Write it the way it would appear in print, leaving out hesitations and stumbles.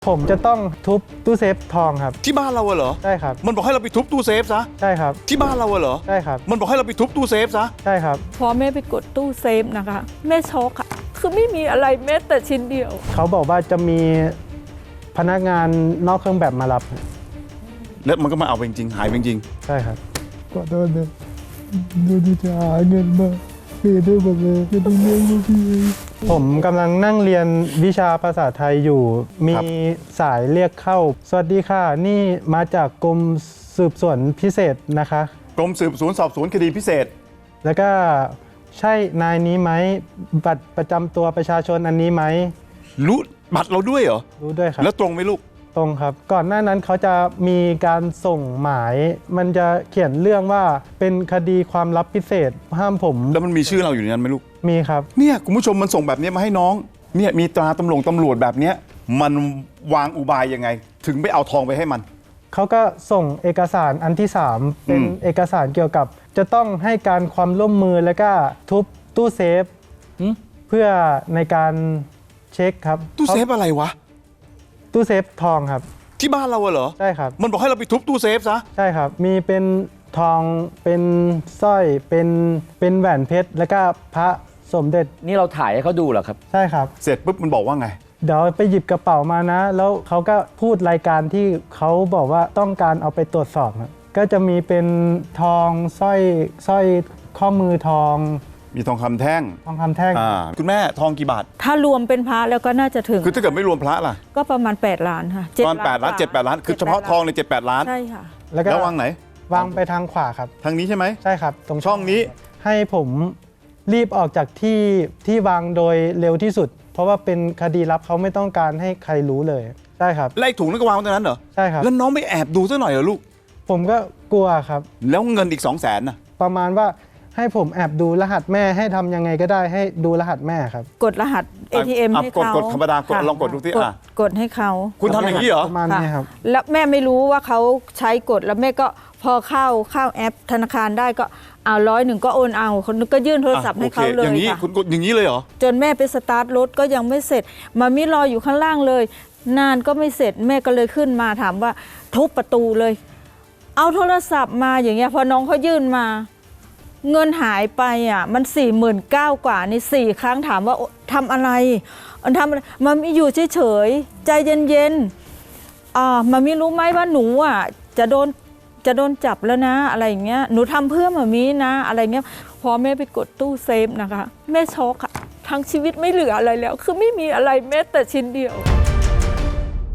ผมจะต้องทุบตู้เซฟทองครับที่บ้านเราเหรอใช่ครับมันบอกให้เราไปทุบตู้เซฟซะใช่ครับที่บ้านเราเหรอใช่ครับมันบอกให้เราไปทุบตู้เซฟซะใช่ครับพอแม่ไปกดตู้เซฟนะคะแม่ช็อกอะคือไม่มีอะไรแม้แต่ชิ้นเดียวเขาบอกว่าจะมีพนักงานนอกเครื่องแบบมารับแล้วมันก็มาเอาไปจริงๆหายไปจริงใช่ครับขอโทษนะดูจะหาเงินมาเปย์ได้หมดเลยจะต้องเลี้ยงลูกพี่ผมกำลังนั่งเรียนวิชาภาษาไทยอยู่มีสายเรียกเข้าสวัสดีค่ะนี่มาจากกรมสืบสวนพิเศษนะคะกรมสืบสวนสอบสวนคดีพิเศษแล้วก็ใช่นายนี้ไหมบัตรประจำตัวประชาชนอันนี้ไหมรู้บัตรเราด้วยเหรอรู้ด้วยครับแล้วตรงไหมลูกตรงครับก่อนหน้านั้นเขาจะมีการส่งหมายมันจะเขียนเรื่องว่าเป็นคดีความลับพิเศษห้ามผมแล้วมันมีชื่อเราอยู่ในนั้นไหมลูกมีครับเนี่ยคุณผู้ชมมันส่งแบบนี้มาให้น้องเนี่ยมีตราตำรวจแบบเนี้ยมันวางอุบายยังไงถึงไปเอาทองไปให้มันเขาก็ส่งเอกสารอันที่3เป็นเอกสารเกี่ยวกับจะต้องให้การความร่วมมือแล้วก็ทุบตู้เซฟเพื่อในการเช็คครับตู้เซฟอะไรวะตู้เซฟทองครับที่บ้านเราเหรอใช่ครับมันบอกให้เราไปทุบตู้เซฟซะใช่ครับมีเป็นทองเป็นสร้อยเป็นแหวนเพชรแล้วก็พระสมเด็จนี่เราถ่ายให้เขาดูเหรอครับใช่ครับเสร็จปุ๊บมันบอกว่าไงเดี๋ยวไปหยิบกระเป๋ามานะแล้วเขาก็พูดรายการที่เขาบอกว่าต้องการเอาไปตรวจสอบนะก็จะมีเป็นทองสร้อยข้อมือทองมีทองคำแท่งคุณแม่ทองกี่บาทถ้ารวมเป็นพระแล้วก็น่าจะถึงคือถ้าเกิดไม่รวมพระล่ะก็ประมาณ8 ล้านค่ะประมาณ8 ล้าน7-8 ล้านคือเฉพาะทองใน7-8 ล้านใช่ค่ะแล้ววางไหนวางไปทางขวาครับทางนี้ใช่ไหมใช่ครับตรงช่องนี้ให้ผมรีบออกจากที่วางโดยเร็วที่สุดเพราะว่าเป็นคดีลับเขาไม่ต้องการให้ใครรู้เลยใช่ครับไล่ถุงนั้นก็วางตรงนั้นเหรอใช่ครับแล้วน้องไม่แอบดูซะหน่อยเหรอลูกผมก็กลัวครับแล้วเงินอีก200,000น่ะประมาณว่าให้ผมแอบดูรหัสแม่ให้ทำยังไงก็ได้ให้ดูรหัสแม่ครับกดรหัส ATM ให้เขากดธรรมดากดลองกดดูสิกดให้เขาคุณทำอย่างนี้เหรอประมาณนี้ครับแล้วแม่ไม่รู้ว่าเขาใช้กดแล้วแม่ก็พอเข้าแอปธนาคารได้ก็เอา100ก็โอนเอาคนนึงก็ยื่นโทรศัพท์ให้เขาเลยอย่างนี้คุณกดอย่างนี้เลยเหรอจนแม่ไปสตาร์ทรถก็ยังไม่เสร็จมามิรออยู่ข้างล่างเลยนานก็ไม่เสร็จแม่ก็เลยขึ้นมาถามว่าทุบประตูเลยเอาโทรศัพท์มาอย่างเงี้ยพอน้องเขายื่นมาเงินหายไปอ่ะมัน49,000 กว่านี่4 ครั้งถามว่าทำอะไรมันไม่อยู่เฉยๆใจเย็นๆมันไม่รู้ไหมว่าหนูอ่ะจะโดนจับแล้วนะอะไรอย่างเงี้ยหนูทำเพื่อมามีนะอะไรเงี้ยพอแม่ไปกดตู้เซฟนะคะแม่ช็อกอะทั้งชีวิตไม่เหลืออะไรแล้วคือไม่มีอะไรแม้แต่ชิ้นเดียว